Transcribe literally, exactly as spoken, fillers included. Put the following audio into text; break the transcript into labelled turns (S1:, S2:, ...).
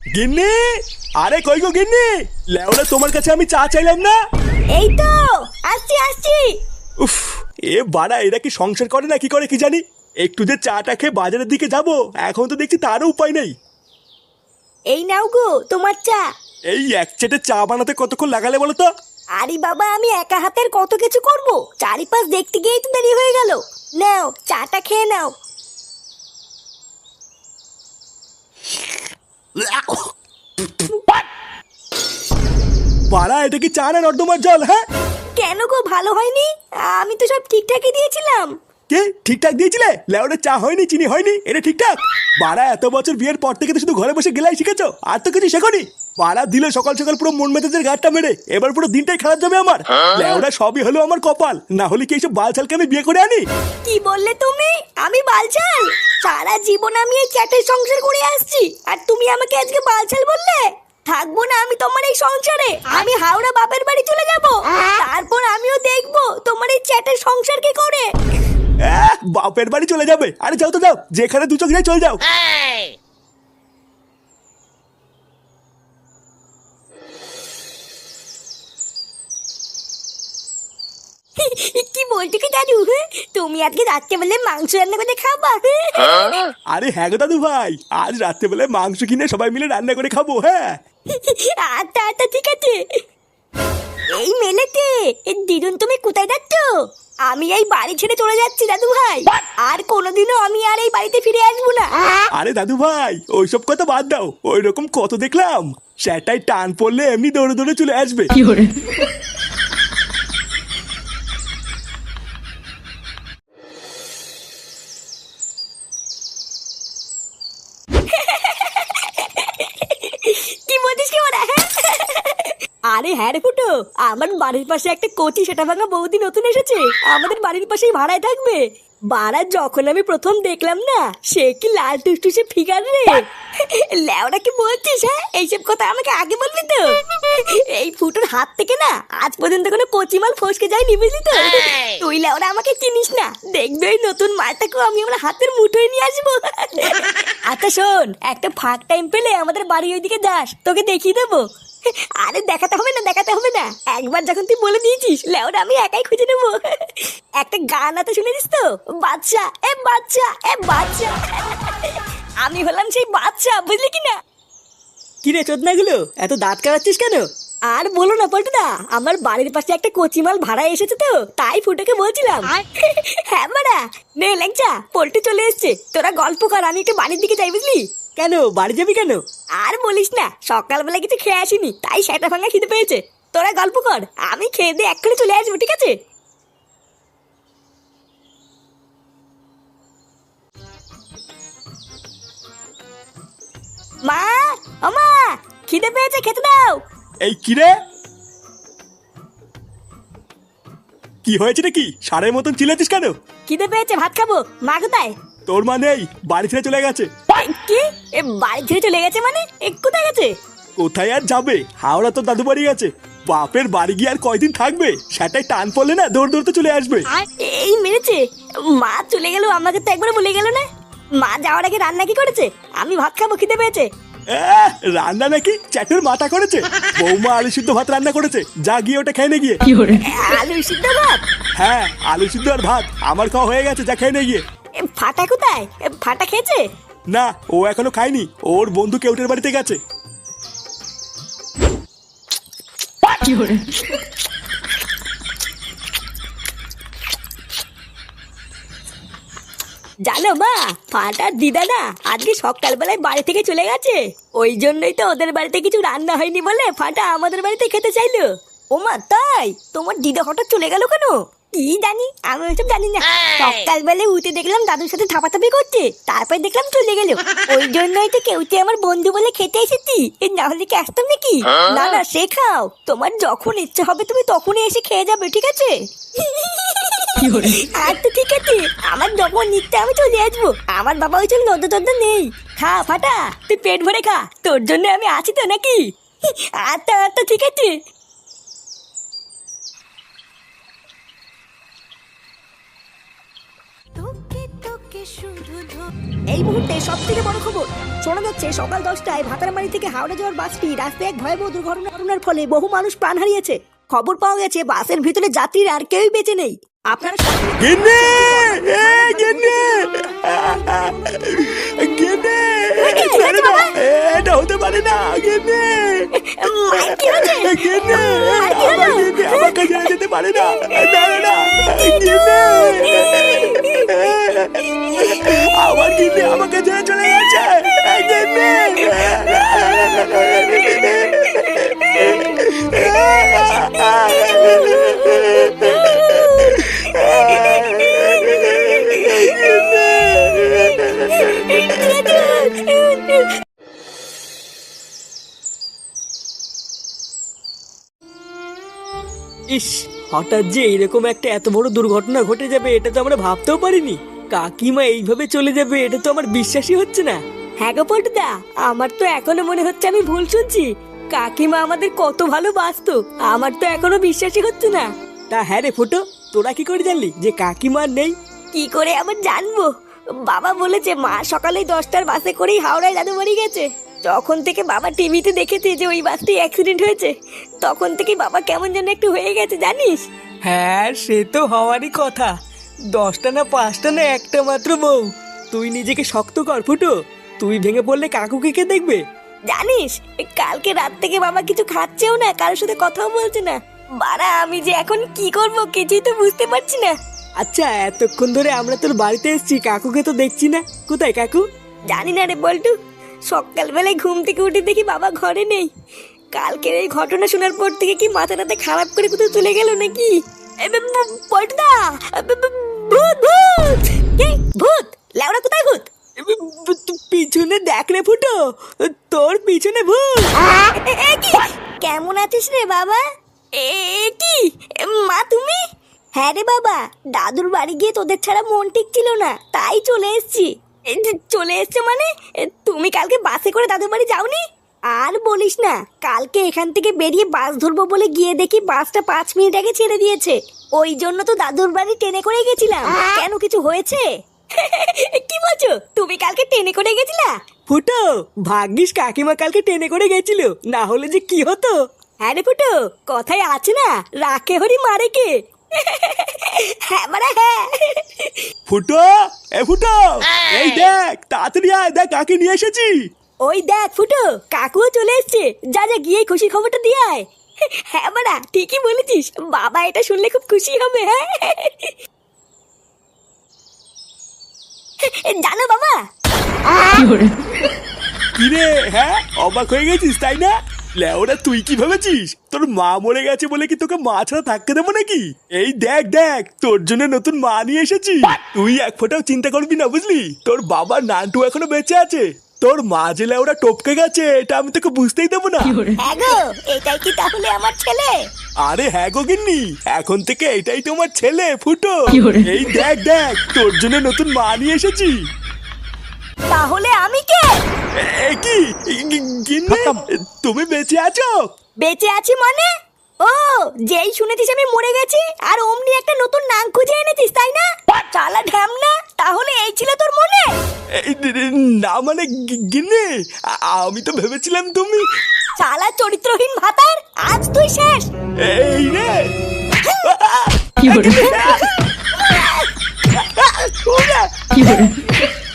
S1: গিন্নি, আরে কই গো গিন্নি, লেওরা তোমার কাছে আমি চা চাইলাম না।
S2: এই তো আসছি আসছি।
S1: উফ, এ বাড়া এরা কি সংসার করে না কি করে কি জানি। একটু যে চাটা খেয়ে বাজারের দিকে যাব, এখন তো দেখছি তারও উপায় নেই।
S2: এই নাও গো তোমার চা।
S1: এই এক চেটে চা বানাতে কতক্ষণ লাগালে বলো তো?
S2: আরে বাবা, আমি একা হাতের কত কিছু করব, চারিপাশ দেখতে গিয়েই তো দেরি হয়ে গেল। নাও চাটা খেয়ে নাও।
S1: বাড়া এটা কি চা না নর্দমার জল? হ্যাঁ
S2: কেন গো, ভালো হয়নি? আমি তো সব ঠিকঠাকই দিয়েছিলাম।
S1: কে ঠিকঠাক দিয়েছিলে? লেওরা চা হয়নি, চিনি হয়নি, এটা ঠিকঠাক? বাড়া এত বছর বিয়ের পর থেকে তো শুধু ঘরে বসে গেলাই শিখেছো, আর তো কিছু শেখনি। বাড়া দিল সকাল সকাল পুরো মন মেজাজের গাঁটটা মেরে, এবার পুরো দিনটাই খারাপ যাবে আমার। লেওরা সবই হলো আমার কপাল, না হলে কি এইসব বালছালকে আমি বিয়ে করে আনি?
S2: কি বললে তুমি? আমি বালছাল? সারা জীবন আমি এই চ্যাটের সংসার করে আসছি, আর তুমি আমাকে আজকে বালছাল বললে? থাকবো না আমি তোমার এই সংসারে। আমি হাওড়া বাপের বাড়ি চলে যাব, তারপর আমিও দেখবো তোমার এই চ্যাটের সংসার কি করে।
S1: আহ, বাপের বাড়ি চলে যাবে? আরে যাও তো যাও, যেখানে দু চোখ যায় চলে যাও।
S2: কি বলছো কি দাদু? তুমি আজকে রাত্রেবেলা মাংস রান্না করে খাবা?
S1: আরে হ্যাঁ গো দাদু ভাই, আজ রাত্রেবেলা মাংস কিনে সবাই মিলে রান্না করে খাবো। হ্যাঁ
S2: আচ্ছা আচ্ছা ঠিক আছে। এই মেলেতে দিদুন, তুমি কোথায় যাচ্ছ? আমি এই বাড়ি ছেড়ে চলে যাচ্ছি দাদু ভাই, আর কোনোদিনও আমি আর এই বাড়িতে ফিরে আসবো না।
S1: আরে দাদু ভাই ওইসব কথা বাদ দাও, ওই রকম কত দেখলাম। সেটাই টান পড়লে এমনি দৌড়ে দৌড়ে চলে আসবে।
S2: কি বলছিস কি ওরা? আরে হ্যাঁ রে ফুটো, আমার বাড়ির পাশে একটা কচি সেটা ভাঙা বৌদি নতুন এসেছে, আমাদের বাড়ির পাশেই ভাড়ায় থাকবে। বাড়া যখন আমি প্রথম দেখলাম না, সে কি লাল টুসটুসে ফিগার রে। ল্যাওড়া কি বলছিস? হ্যাঁ এইসব কথা আমাকে আগে বলবি তো। এই ফুটোর হাত থেকে না আজ পর্যন্ত কোনো কচি মাল ফসকে যায়নি, বুঝলি তো? তুই ল্যাওড়া আমাকে চিনিস না, দেখবে ওই নতুন মালটাকেও আমি আমার হাতের মুঠোয় নিয়ে আসবো। আচ্ছা শোন, একটা ফাঁক টাইম পেলে আমাদের বাড়ি ওইদিকে যাস, তোকে দেখিয়ে দেবো। আরে দেখাতে হবে না, দেখাতে হবে না, একবার যখন তুই বলে দিয়েছিস লেওরা আমি একাই খুঁজে নেবো। একটা গান আছে শুনেছিস তো? বাচ্চা এ বাচ্চা এ বাচ্চা। আমি হলাম সেই বাচ্চা, বুঝলি কি না?
S3: কিরে চোদনাগুলো এত দাঁত কাটাচ্ছিস কেন?
S2: আর বলো না পল্টুদা, আমার বাড়ির পাশে একটা কচিমাল ভাড়া এসেছে তো, তাই ফুটোকে বলছিলাম। হ্যাঁ মারা, নে ল্যাংচা, পল্টু চলে এসছে, তোরা গল্প কর, আমি একটু বাড়ির দিকে যাই, বুঝলি?
S3: কেন বাড়ি যাবি কেন?
S2: আর বলিস না, সকালবেলা কিছু খেয়ে আসিনি, তাই সেটা ভাঙা খিদে পেয়েছে। তোরা গল্প কর, আমি খেয়ে দিয়ে এক্ষুনি চলে আসবো, ঠিক আছে? মা, ও মা, খিদে পেয়েছে, খেতে দাও।
S1: এই কিরে, কি হয়েছে নাকি? সারের মতন চিল্লাচ্ছিস কেন?
S2: খিদে পেয়েছে, ভাত খাবো। মা কোথায়?
S1: তোর মা নেই, বাড়ি ছেড়ে চলে গেছে।
S2: কি? এ বাড়ি ছেড়ে চলে গেছে মানে? এ কোথায় গেছে?
S1: কোথায় আর যাবে, হাওড়া তো দাদু বাড়ি গেছে। বাপের বাড়ি গিয়ে আর কয়দিন থাকবে, সেটাই টান পড়লে না দৌড় দৌড়তে চলে আসবে।
S2: এই মেরেছে, মা চলে গেল, আমাকে তো একবার বলে গেল না। মা যাওয়ার আগে রান্না কি করেছে? আমি ভাত খাবো, খিদে পেয়েছে।
S1: আহ, রান্না নাকি চ্যাটের মাথা করেছে। বৌমা আলু সিদ্ধ ভাত রান্না করেছে, যা গিয়ে ওটা খেয়ে নে গিয়ে।
S2: আলু সিদ্ধ ভাত?
S1: হ্যাঁ আলু সিদ্ধ আর ভাত আমার খাওয়া হয়ে গেছে, যা খেয়ে নে গিয়ে।
S2: এ ফাটা কোথায়? এ ফাটা খেয়েছে?
S1: না ও এখনো খায়নি, ওর বন্ধু কেউটের বাড়িতে গেছে।
S2: জানো মা, ফাটার দিদা না আজকে সকালবেলায় বাড়ি থেকে চলে গেছে, ওই জন্যই তো ওদের বাড়িতে কিছু রান্না হয়নি বলে ফাটা আমাদের বাড়িতে খেতে চাইলো। ও মা তাই? তোমার দিদা হঠাৎ চলে গেল কেন? কি জানি, আমি ওইসব জানি না। সকালবেলায় উঠে দেখলাম দাদুর সাথে থাপাথাপি করছে, তারপর দেখলাম চলে গেল। ওই জন্যই তো কেউতে আমার বন্ধু বলে খেতে এসেছি, না হলে কি আসতাম নাকি? না না, সে খাও, তোমার যখন ইচ্ছে হবে তুমি তখনই এসে খেয়ে যাবে, ঠিক আছে? আচ্ছা ঠিক আছে, আমার যখন নিতে আমি চলে আসবো, আমার বাবা ওই জন্য নদ্য টদ্য নেই। খা ফাটা, তুই পেট ভরে খা, তোর জন্য আমি আছি তো নাকি? আচ্ছা আচ্ছা ঠিক আছে। তোকে তোকে শুধু এই মুহূর্তে সব থেকে বড় খবর শোনা যাচ্ছে সকাল দশটায় ভাতারমারি থেকে হাওড়া যাওয়ার বাসটি রাস্তায় এক ভয়াবহ দুর্ঘটনার ফলে বহু মানুষ প্রাণ হারিয়েছে। খবর পাওয়া গেছে বাসের ভিতরে যাত্রীর আর কেউই বেঁচে নেই। আপনারা
S1: গিন্নি এ গিন্নি গিন্নি ছেড়ে দাও, এটা হতে পারে না গিন্নি গিন্নি আমার গিন্নি আমাকে ছেড়ে যেতে পারে না, না না না গিন্নি আমার গিন্নি আমাকে ছেড়ে চলে গেছে গিন্নি।
S3: ইস, হঠাৎ যে এরকম একটা এত বড় দুর্ঘটনা ঘটে যাবে এটা তো আমরা ভাবতেও পারিনি। কাকিমা এইভাবে চলে যাবে এটা তো আমার বিশ্বাসই হচ্ছে না।
S2: হ্যাঁ গো পল্টুদা, আমার তো এখনো মনে হচ্ছে আমি ভুল শুনছি। কাকিমা আমাদের কত ভালোবাসতো, আমার তো এখনো বিশ্বাসই হচ্ছে না।
S3: তা হ্যাঁ রে ফুটো, তোরা কি করে জানলি যে কাকিমা আর নেই?
S2: কি করে আবার জানবো? বাবা বলেছে মা সকালে দশটার বাসে করেই হাওড়ায় দাদু বাড়ি গেছে। যখন থেকে বাবা টিভিতে দেখেছে যে ওই বাসটি অ্যাক্সিডেন্ট হয়েছে তখন থেকে বাবা কেমন যেন একটু হয়ে গেছে জানিস।
S3: হ্যাঁ সে তো হওয়ারই কথা। দশটা না পাঁচটা না একটা মাত্র বউ। তুই নিজেকে শক্ত কর ফুটো, তুই ভেঙে পড়লে কাকুকে কে দেখবে?
S2: জানিস কালকে রাত থেকে বাবা কিছু খাচ্ছেও না, কারোর সাথে কথাও বলছে না। বাড়া আমি যে এখন কি করব কিছুই তো বুঝতে পারছি না।
S3: আচ্ছা এতক্ষণ ধরে আমরা তোর বাড়িতে এসেছি, কাকুকে তো দেখছি না, কোথায় কাকু?
S2: জানি না রে বল্টু, সকালবেলায় ঘুম থেকে উঠে দেখি বাবা ঘরে নেই। কালকের এই ঘটনা শোনার পর থেকে কি মাথাটাতে খারাপ করে কোথাও চলে গেল নাকি? পল্টুদা ভূত ভূত কে ভূত লেওড়া কোথায় ভূত?
S3: পিছনে দেখ রে ফুটো, তোর পিছনে ভূত।
S2: এ কি? কেমন আছিস রে বাবা? এ কি মা তুমি? হ্যাঁ রে বাবা, দাদুর বাড়ি গিয়ে তোদের ছাড়া মন ঠিক ছিল না তাই চলে এসেছি। চলে এসছো মানে তুমি কালকে বাসে করে দাদুর বাড়ি যাওনি? আর বলিস না, কালকে এখান থেকে বেরিয়ে বাস ধরবো বলে গিয়ে দেখি বাসটা পাঁচ মিনিট আগে ছেড়ে দিয়েছে। ওই জন্য তো দাদুর বাড়ি ট্রেনে করে গেছিলাম। কেন কিছু হয়েছে? কি বলছো তুমি কালকে ট্রেনে করে গেছিলা?
S3: ফুটো ভাগ্যিস কাকিমা কালকে ট্রেনে করে গেছিল, না হলে যে কি হতো।
S2: হ্যাঁ রে ফুটো, কথায় আছে না রাখে হরি মারে কে। হ্যাঁ মানে হ্যাঁ।
S1: ফুটো এ ফুটো এই দেখ তাড়াতাড়ি আয়, দেখ কাকে নিয়ে এসেছি।
S2: ওই দেখ ফুটো কাকুও চলে এসছে, যা যা গিয়ে খুশি খবরটা দিয়ে আয়। হ্যাঁ মারা ঠিকই বলেছিস, বাবা এটা শুনলে খুব খুশি হবে। হ্যাঁ জানো বাবা
S1: কিরে হ্যাঁ অবাক হয়ে গেছিস তাই না? লেওরা তুই কি ভেবেছিস তোর মা মরে গেছে বলে কি তোকে মা ছাড়া থাকতে দেবো নাকি? এই দেখ দেখ তোর জন্য নতুন মা নিয়ে এসেছি। তুই এক ফোঁটাও চিন্তা করবি না বুঝলি, তোর বাবার নানটু এখনো বেঁচে আছে। তোর মা যে লেওরা টপকে গেছে এটা আমি তোকে বুঝতেই দেবো না।
S2: হ্যাঁ গো এটাই কি তাহলে আমার ছেলে?
S1: আরে হ্যাঁ গো গিন্নি, এখন থেকে এটাই তোমার ছেলে ফুটো। এই দেখ দেখ তোর জন্য নতুন মা নিয়ে এসেছি।
S2: তাহলে আমি কে?
S1: এ কি গিন্নি তুমি বেঁচে আছো?
S2: বেঁচে আছি মানে? ও যেই শুনেছিস আমি মরে গেছি আর অমনি একটা নতুন নাম খুঁজে এনেছিস তাই না? চালা ঢ্যামনা, তাহলে এই ছিল তোর মনে?
S1: এই না মানে গিন্নি আমি তো ভেবেছিলাম তুমি।
S2: চালা চরিত্রহীন ভাতার, আজ তুই শেষ।
S1: এই রে
S4: কি হলো?
S1: ওরা!
S4: কি হলো?